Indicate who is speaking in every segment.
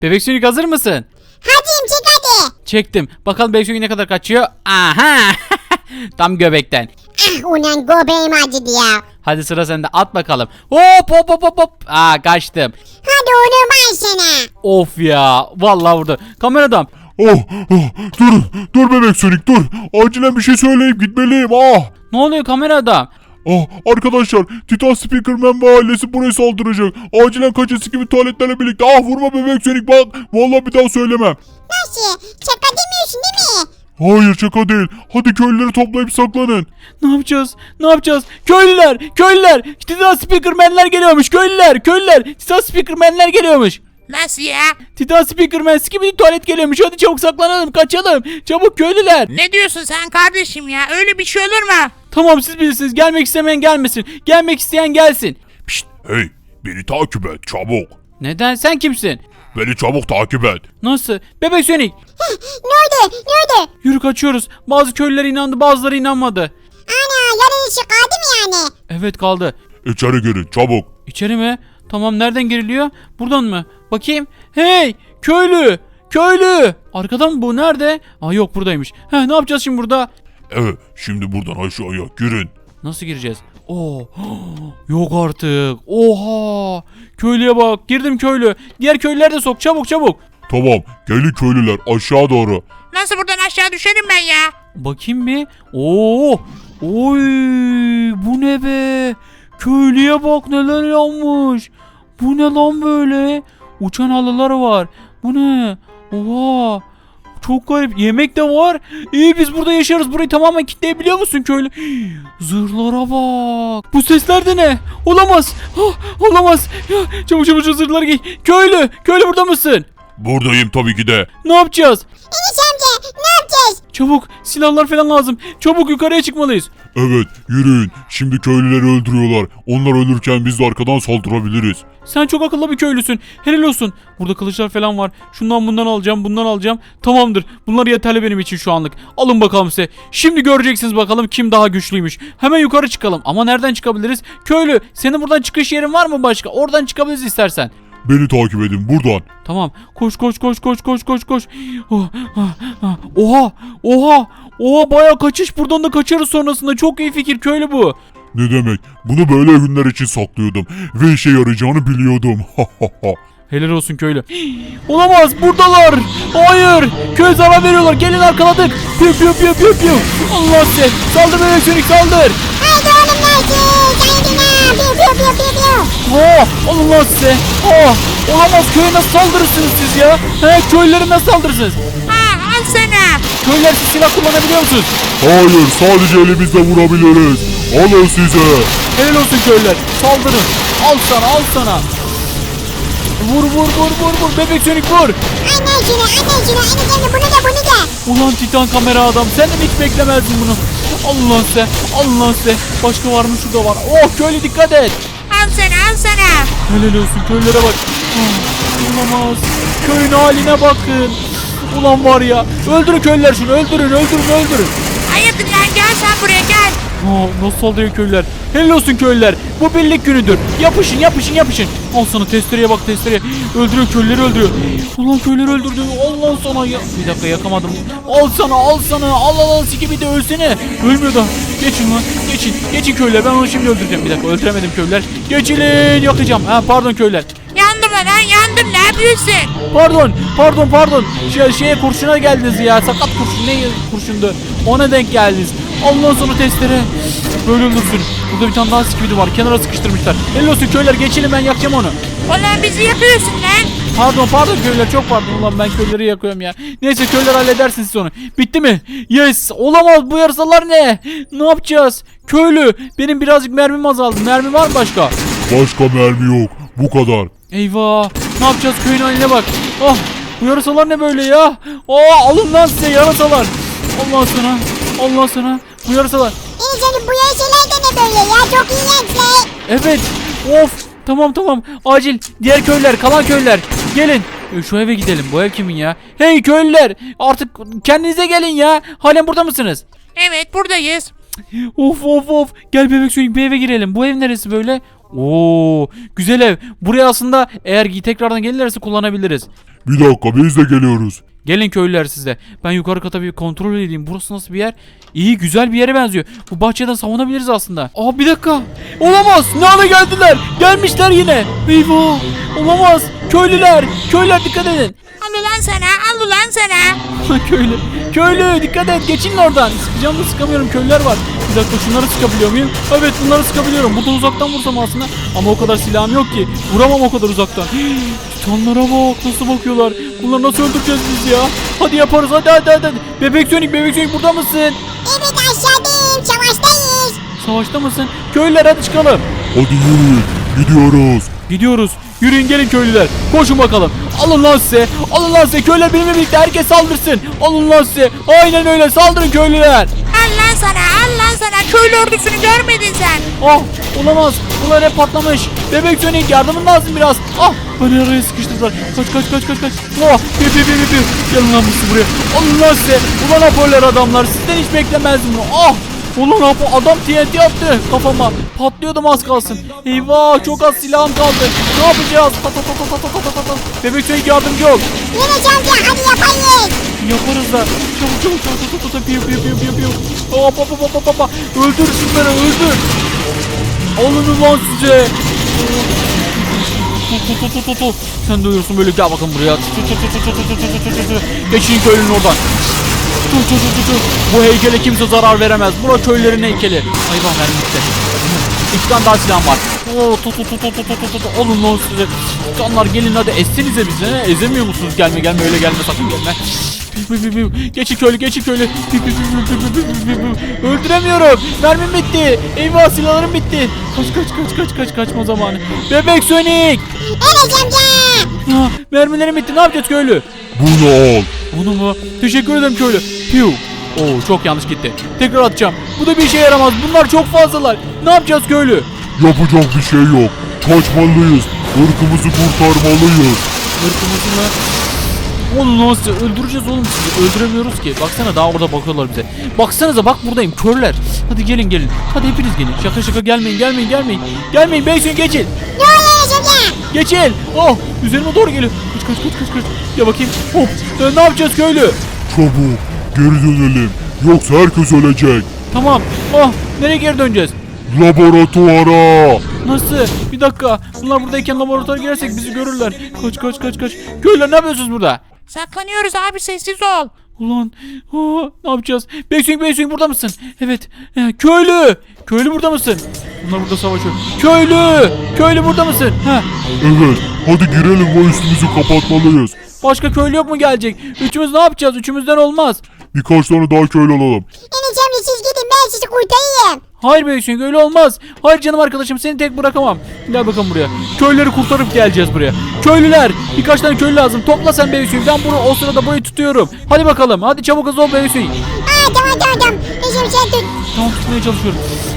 Speaker 1: Bebek Sonic hazır mısın?
Speaker 2: Hadi çek hadi.
Speaker 1: Çektim. Bakalım Bebek Sonic ne kadar kaçıyor. Aha. Tam göbekten.
Speaker 2: Ah ulan göbeğim acıdı ya.
Speaker 1: Hadi sıra sende, at bakalım. Hop hop hop hop hop. Kaçtım.
Speaker 2: Hadi onu ben sana.
Speaker 1: Of ya. Vallahi vurdu. Kameradan.
Speaker 3: Dur bebek Sonic dur. Acilen bir şey söyleyip gitmeliyim.
Speaker 1: Ne oluyor kameradan?
Speaker 3: Arkadaşlar Titan Speakerman ve ailesi buraya saldıracak. Acilen kaçası gibi tuvaletlerle birlikte. Vurma bebek Sonic bak. Vallahi bir daha söylemem.
Speaker 2: Nasıl? Şaka demiyorsun değil mi?
Speaker 3: Hayır şaka değil. Hadi köylüleri toplayıp saklanın.
Speaker 1: Ne yapacağız? Ne yapacağız? Köylüler! Köylüler! Titan Speakerman'ler geliyormuş. Köylüler! Titan Speakerman'ler geliyormuş.
Speaker 4: Nasıl ya?
Speaker 1: Titan Speakerman gibi tuvalet geliyormuş. Hadi çabuk saklanalım, kaçalım. Çabuk köylüler.
Speaker 4: Ne diyorsun sen kardeşim ya? Öyle bir şey olur mu?
Speaker 1: Tamam, siz bilirsiniz. Gelmek istemeyen gelmesin. Gelmek isteyen gelsin.
Speaker 3: Pişt, hey beni takip et çabuk.
Speaker 1: Neden? Sen kimsin?
Speaker 3: Beni çabuk takip et.
Speaker 1: Nasıl? Bebek Sonic.
Speaker 2: Ne oldu?
Speaker 1: Yürü, kaçıyoruz. Bazı köylüler inandı, bazıları inanmadı.
Speaker 2: Ana yarın işi kaldı mı yani?
Speaker 1: Evet, kaldı.
Speaker 3: İçeri girin çabuk.
Speaker 1: İçeri mi? Tamam, nereden giriliyor? Buradan mı? Bakayım. Hey! Köylü! Arkadan mı bu? Nerede? Yok, buradaymış. Ne yapacağız şimdi burada?
Speaker 3: Evet şimdi buradan aşağıya girin.
Speaker 1: Nasıl gireceğiz? Yok artık. Oha! Köylüye bak. Girdim köylü. Diğer köylüler de sok. Çabuk.
Speaker 3: Tamam gelin köylüler aşağı doğru.
Speaker 4: Nasıl buradan aşağı düşerim ben ya?
Speaker 1: Bakayım bir. Oy! Bu ne be? Köylüye bak, neler yanmış. Bu ne lan böyle? Uçan halılar var. Bu ne? Oha! Çok garip. Yemek de var. İyi, biz burada yaşarız. Burayı tamamen kilitleyebiliyor musun köylü? Zırhlara bak. Bu sesler de ne? Olamaz. Olamaz. Çabuk zırhları giy. Köylü burada mısın?
Speaker 3: Buradayım tabii ki de.
Speaker 1: Ne yapacağız?
Speaker 2: Enes amca ne yapacağız?
Speaker 1: Çabuk, silahlar falan lazım. Çabuk yukarıya çıkmalıyız.
Speaker 3: Evet yürüyün. Şimdi köylüleri öldürüyorlar. Onlar ölürken biz de arkadan saldırabiliriz.
Speaker 1: Sen çok akıllı bir köylüsün. Helal olsun. Burada kılıçlar falan var. Şundan bundan alacağım. Tamamdır. Bunlar yeterli benim için şu anlık. Alın bakalım size. Şimdi göreceksiniz bakalım kim daha güçlüymüş. Hemen yukarı çıkalım. Ama nereden çıkabiliriz? Köylü, senin buradan çıkış yerin var mı başka? Oradan çıkabiliriz istersen.
Speaker 3: Beni takip edin buradan.
Speaker 1: Tamam. Koş. Oha, bayağı kaçış. Buradan da kaçarız sonrasında. Çok iyi fikir köylü bu.
Speaker 3: Ne demek? Bunu böyle günler için saklıyordum. Ve işe yarayacağını biliyordum.
Speaker 1: Helal olsun köylü. Olamaz, buradalar. Hayır, köy zarar veriyorlar. Gelin, arkaladık. Piu. Allah size. Saldır Bebek Sonic, saldır.
Speaker 2: Haydi oğlum nasıl? Piu.
Speaker 1: Allah size. Olamaz, köye nasıl saldırırsınız siz ya? Köylülere nasıl saldırırsınız?
Speaker 4: Al sana.
Speaker 1: Köylüler, siz silah kullanabiliyor musunuz?
Speaker 3: Hayır sadece elimizle vurabiliriz. Alın size.
Speaker 1: Helal olsun köylüler. Saldırın. Al sana. Vur. Bebek Sonic vur.
Speaker 2: Anne şunu bunu da.
Speaker 1: Ulan Titan kamera adam, sen de mi hiç beklemezdin bunu? Allah size. Başka var mı? Şurada var. Köylü dikkat et.
Speaker 4: Al sana.
Speaker 1: Helal olsun, köylere bak. Olamaz. Köyün haline bakın. Ulan var ya. Öldürün köylüler şunu. Öldürün.
Speaker 4: Hayırdır lan, gel sen buraya gel.
Speaker 1: Nasıl saldırıyor köylüler? Helal olsun köylüler. Bu birlik günüdür. Yapışın. Al sana testereye bak. Öldürüyor, köylüleri öldürüyor. Ulan köyleri öldürdü. Allah sana ya. Bir dakika, yakamadım. Al sana. Al siki bir de ölsene. Ölmüyor da. Geçin lan. Geçin köylüler. Ben onu şimdi öldüreceğim. Bir dakika, öldüremedim köylüler. Geçin, yakacağım. Pardon köylüler.
Speaker 4: Yandım, ne yapıyorsun?
Speaker 1: Pardon. Şeye kurşuna geldiniz ya. Sakat kurşun. Ne kurşundu? Ona denk geldiniz. Ondan sonra testere. Böyle öldürsün. Burada bir tane daha skibidi var. Kenara sıkıştırmışlar. Helal olsun köyler. Geçelim, ben yakacağım onu.
Speaker 4: Ulan bizi yakıyorsun lan.
Speaker 1: Pardon köyler, çok pardon. Ulan ben köyleri yakıyorum ya. Neyse köyler, halledersiniz siz onu. Bitti mi? Yes. Olamaz, bu yarasalar ne? Ne yapacağız? Köylü, benim birazcık mermim azaldı. Mermi var mı başka?
Speaker 3: Başka mermi yok. Bu kadar.
Speaker 1: Eyvah. Ne yapacağız, köyün haline bak. Bu yarasalar ne böyle ya? Alın lan size yarasalar. Allah sana. Bu yarasalar.
Speaker 2: Enes amca bu yaşalar da ne böyle ya? Çok iğrençler.
Speaker 1: Evet. Of. Tamam. Acil. Diğer köylüler, kalan köylüler. Gelin. Şu eve gidelim. Bu ev kimin ya? Hey köylüler. Artık kendinize gelin ya. Halen burada mısınız?
Speaker 4: Evet, buradayız.
Speaker 1: Of. Gel Bebek Sonic, bir eve girelim. Bu ev neresi böyle? Güzel ev. Buraya aslında eğer tekrardan gelirlerse kullanabiliriz.
Speaker 3: Bir dakika biz de geliyoruz.
Speaker 1: Gelin köylüler sizde. Ben yukarı kata bir kontrol edeyim. Burası nasıl bir yer? İyi, güzel bir yere benziyor. Bu bahçeden savunabiliriz aslında. Aa, bir dakika. Olamaz. Ne hale geldiler? Gelmişler yine. Eyvah. Olamaz. Köylüler. Köylüler dikkat edin.
Speaker 4: Al ulan sana, al ulan sana.
Speaker 1: Köylü. Köylü dikkat et. Geçin oradan. Sıkacağım da sıkamıyorum. Köylüler var. Bir dakika, şunları sıkabiliyor muyum? Evet, bunları sıkabiliyorum. Burada uzaktan vursam aslında. Ama o kadar silahım yok ki. Vuramam o kadar uzaktan. Titanlara bak. Nasıl bakıyorlar. Bunları nasıl öldüreceğiz biz ya? Hadi yaparız. Hadi. Bebek Sonic burada mısın?
Speaker 2: Evet aşağıdayım. Savaştayız.
Speaker 1: Savaşta mısın? Köylüler hadi çıkalım.
Speaker 3: Hadi yürüyün. Gidiyoruz.
Speaker 1: Gidiyoruz. Yürüyün gelin köylüler. Koşun bakalım. Alın lan size. Alın lan size. Köylüler benimle birlikte herkes saldırsın. Alın lan size. Aynen öyle. Saldırın köylüler.
Speaker 4: Al lan sana, al lan sana. Köylü ordusunu görmedin sen.
Speaker 1: Ah, olamaz. Bunlar hep patlamış. Bebek Sonic yardımın lazım biraz. Ah, beni araya sıkıştırdılar. Kaç. Oh, piu. Gelin lan siz buraya. Alın lan size. Ulan hoparlör adamlar. Sizden hiç beklemezdim bunu. Ah. Ulan adam TNT attı kafama. Patlıyordum az kalsın. Eyvah, çok az silahım kaldı. Ne yapacağız? Bebek Sonic yardımcı ol.
Speaker 2: Yine amca hadi yapayım.
Speaker 1: Yaparız da. Çabuk. Piu. Hop. Öldür şunları, öldür. Alın ulan size. Tut. Sen de uyursun böyle, gel bakın buraya. Geçin köylünün oradan. Tut. Bu heykele kimse zarar veremez. Bura köylülerin heykeli. Hayvan vermişti. 2 tane daha silahım var. Tut. Alın lan size. Canlar gelin hadi, essenize bizi. Ezemiyor musunuz? Gelme öyle gelme, sakın gelme. Geçin köylü. Öldüremiyorum. Mermim bitti. Eyvah, silahlarım bitti. Kaç, kaçma zamanı. Bebek Sonic.
Speaker 2: Evet amca.
Speaker 1: Mermilerim bitti. Ne yapacağız köylü?
Speaker 3: Bunu al.
Speaker 1: Bunu mu? Teşekkür ederim köylü. Piu. Oo, çok yanlış gitti. Tekrar atacağım. Bu da bir işe yaramaz. Bunlar çok fazlalar. Ne yapacağız köylü?
Speaker 3: Yapacak bir şey yok. Kaçmalıyız. Irkımızı kurtarmalıyız.
Speaker 1: Irkımızı mı? Oğlum nasıl öldüreceğiz oğlum sizi? Öldüremiyoruz ki. Baksana, daha orada bakıyorlar bize. Baksanıza, bak buradayım körler. Hadi gelin. Hadi hepiniz gelin. Şaka gelmeyin. Gelmeyin Beysun, geçin.
Speaker 2: Ne oluyor amca?
Speaker 1: Geçin. Oh, üzerime doğru geliyor. Kaç. Ya bakayım. Hop. Ne yapacağız köylü?
Speaker 3: Çabuk. Geri dönelim. Yoksa herkes ölecek.
Speaker 1: Tamam. Oh, nereye geri döneceğiz?
Speaker 3: Laboratuvara.
Speaker 1: Nasıl? Bir dakika. Bunlar buradayken laboratuvara girersek bizi görürler. Kaç. Köylüler ne yapıyorsunuz burada?
Speaker 4: Saklanıyoruz abi, sessiz ol.
Speaker 1: Ulan ne yapacağız? Beysun burada mısın? Evet. Köylü burada mısın? Bunlar burada savaşıyor. Köylü burada mısın?
Speaker 3: Evet. Hadi girelim ve üstümüzü kapatmalıyız.
Speaker 1: Başka köylü yok mu gelecek? Üçümüz ne yapacağız? Üçümüzden olmaz.
Speaker 3: Birkaç tane daha köylü alalım.
Speaker 2: Enes amca siz gidin, ben sizi kurtarayım.
Speaker 1: Hayır Beysun, öyle olmaz. Hayır canım arkadaşım, seni tek bırakamam. Gel bakalım buraya. Köylüleri kurtarıp geleceğiz buraya. Köylüler, birkaç tane köylü lazım. Topla sen Beysun. Ben o sırada burayı tutuyorum. Hadi bakalım. Hadi çabuk hızlı ol Beysun.
Speaker 2: Tamam. Enes amca sen tut.
Speaker 1: Tamam, tutmaya çalışıyorum.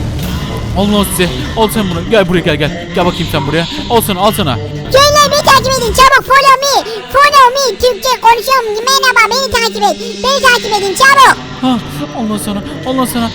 Speaker 1: Al lan size. Al sen bunu. Gel buraya gel. Gel bakayım sen buraya. Al sana.
Speaker 2: Köyler beni takip edin çabuk, follow me. Türkçe konuşuyorum. Merhaba, beni takip et. Beni takip edin çabuk.
Speaker 1: Allah sana.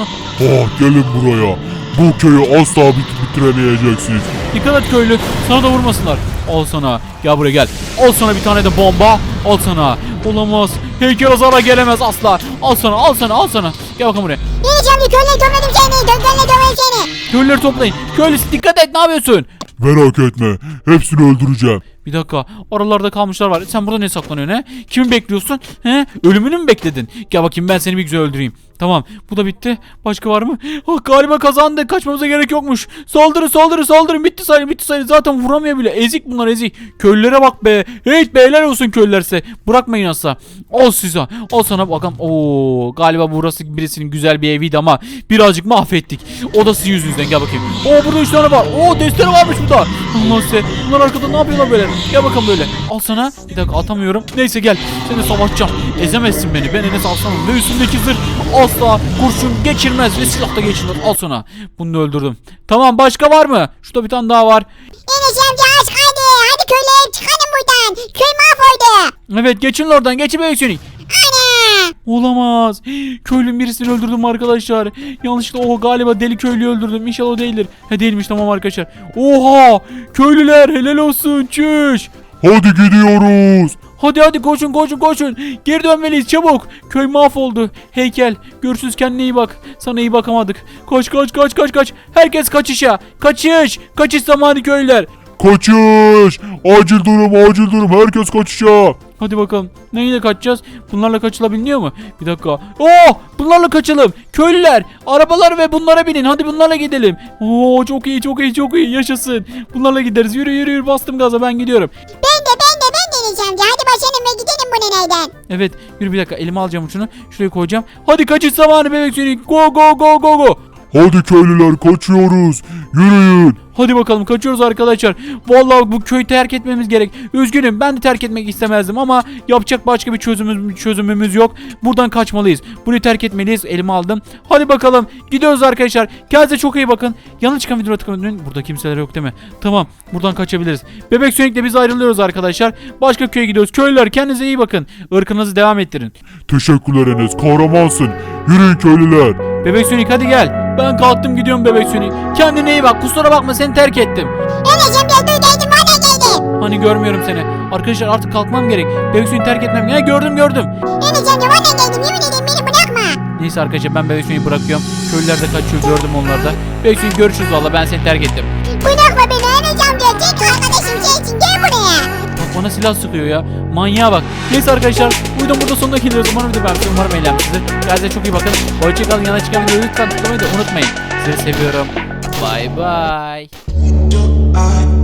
Speaker 3: Gelin buraya. Bu köyü asla bitiremeyeceksiniz.
Speaker 1: Dikkat et köylü. Sana da vurmasınlar. Al sana. Gel buraya gel. Al sana bir tane de bomba. Al sana. Olamaz. Heykel azara gelemez asla. Al sana. Gel bakalım buraya.
Speaker 2: Enes amca köyleri topladım seni. Dönme seni.
Speaker 1: Köylüleri toplayın. Köylü dikkat et, ne yapıyorsun?
Speaker 3: Merak etme. Hepsini öldüreceğim.
Speaker 1: Bir dakika. Aralarda kalmışlar var. Sen burada ne saklanıyorsun he? Kimi bekliyorsun? He? Ölümünü mü bekledin? Gel bakayım, ben seni bir güzel öldüreyim. Tamam. Bu da bitti. Başka var mı? Galiba kazandık. Kaçmamıza gerek yokmuş. Saldırın. Bitti sayı. Zaten vuramıyor bile. Ezik bunlar, ezik. Köylülere bak be. Hey, beyler olsun köylüler size. Bırakmayın asla. Al size. Al sana bakalım. Oo, galiba burası birisinin güzel bir eviydi ama birazcık mahvettik. O da sizin yüzünüzden. Gel bakayım. Burada 3 tane var. Destere varmış burada. Allah size. Bunlar arkada ne yapıyorlar böyle? Gel bakalım böyle. Al sana. Bir dakika, atamıyorum. Neyse gel. Seni savaşacağım. Ezemezsin beni. Ben Enes Arslan'ım. Ve üstündeki zırh asla kurşun geçirmez ve silah da geçirmez. Al sana. Bunu da öldürdüm. Tamam, başka var mı? Şurada bir tane daha var.
Speaker 2: Enes amca aç hadi köyleri çıkalım buradan. Köy mahvoldu.
Speaker 1: Evet, geçin oradan. Geçin Bebek Sonic.
Speaker 2: Ana.
Speaker 1: Olamaz. Köylünün birisini öldürdüm arkadaşlar. Yanlışlıkla galiba deli köylüyü öldürdüm. İnşallah o değildir. Değilmiş, tamam arkadaşlar. Oha! Köylüler helal olsun. Çüş.
Speaker 3: Hadi gidiyoruz.
Speaker 1: Hadi hadi koşun koşun koşun. Geri dönmeliyiz çabuk. Köy mahvoldu. Heykel. Görüşürüz, kendine iyi bak. Sana iyi bakamadık. Koş koş koş koş koş. Herkes kaçışa. Kaçış. Kaçış zamanı köylüler.
Speaker 3: Kaçış. Acil durum acil durum. Herkes kaçışa.
Speaker 1: Hadi bakalım. Neyle kaçacağız? Bunlarla kaçılabiliyor mu? Bir dakika. Oh! Bunlarla kaçalım. Köylüler, arabalar ve bunlara binin. Hadi bunlarla gidelim. Oo, çok iyi, çok iyi, çok iyi. Yaşasın. Bunlarla gideriz. Yürü yürü yürü. Bastım gaza, ben gidiyorum.
Speaker 2: Ben de Enes amca. Hadi başlayalım ve gidelim bu neneyden.
Speaker 1: Evet. Yürü bir dakika. Elime alacağım şunu. Şuraya koyacağım. Hadi kaçış zamanı bebek seni. Go go go go go.
Speaker 3: Hadi köylüler kaçıyoruz. Yürüyün.
Speaker 1: Hadi bakalım, kaçıyoruz arkadaşlar. Vallahi bu köyü terk etmemiz gerek. Üzgünüm, ben de terk etmek istemezdim ama yapacak başka bir çözümümüz yok. Buradan kaçmalıyız. Burayı terk etmeliyiz. Elime aldım. Hadi bakalım, gidiyoruz arkadaşlar. Kendinize çok iyi bakın. Yanlış çıkan videoya tıklamayın. Burada kimseler yok değil mi? Tamam, buradan kaçabiliriz. Bebek Sonic'le biz ayrılıyoruz arkadaşlar. Başka köye gidiyoruz. Köylüler, kendinize iyi bakın. Irkınızı devam ettirin.
Speaker 3: Teşekkürler Enes. Kahramansın. Yürüyün köylüler.
Speaker 1: Bebek Sonic hadi gel. Ben kalktım gidiyorum Bebek Sonic. Kendine iyi bak. Kusura bakma, seni terk ettim.
Speaker 2: Enes amca duydum bana geldi.
Speaker 1: Hani görmüyorum seni. Arkadaşlar artık kalkmam gerek. Bebek Sonic'i terk etmem. Ya gördüm.
Speaker 2: Enes amca bana geldim. Yemin ederim beni bırakma.
Speaker 1: Neyse arkadaşlar, ben Bebek Sonic'i bırakıyorum. Köylüler de kaçıyor, gördüm onları da. Bebek Sonic görüşürüz valla, ben seni terk ettim.
Speaker 2: Bırakma beni Enes amca. Tek arkadaşım sensin. Gel buraya.
Speaker 1: Bak bana silah sıkıyor ya. Manyağa bak. Neyse arkadaşlar, videonun burada sonuna geliyoruz. Umarım video beğenmişsiniz. Umarım eğlenmişsinizdir. Kendinize çok iyi bakın. Hoşçakalın. Yana çıkan videoyu lütfen tıklamayı da unutmayın. Sizi seviyorum. Bye bye.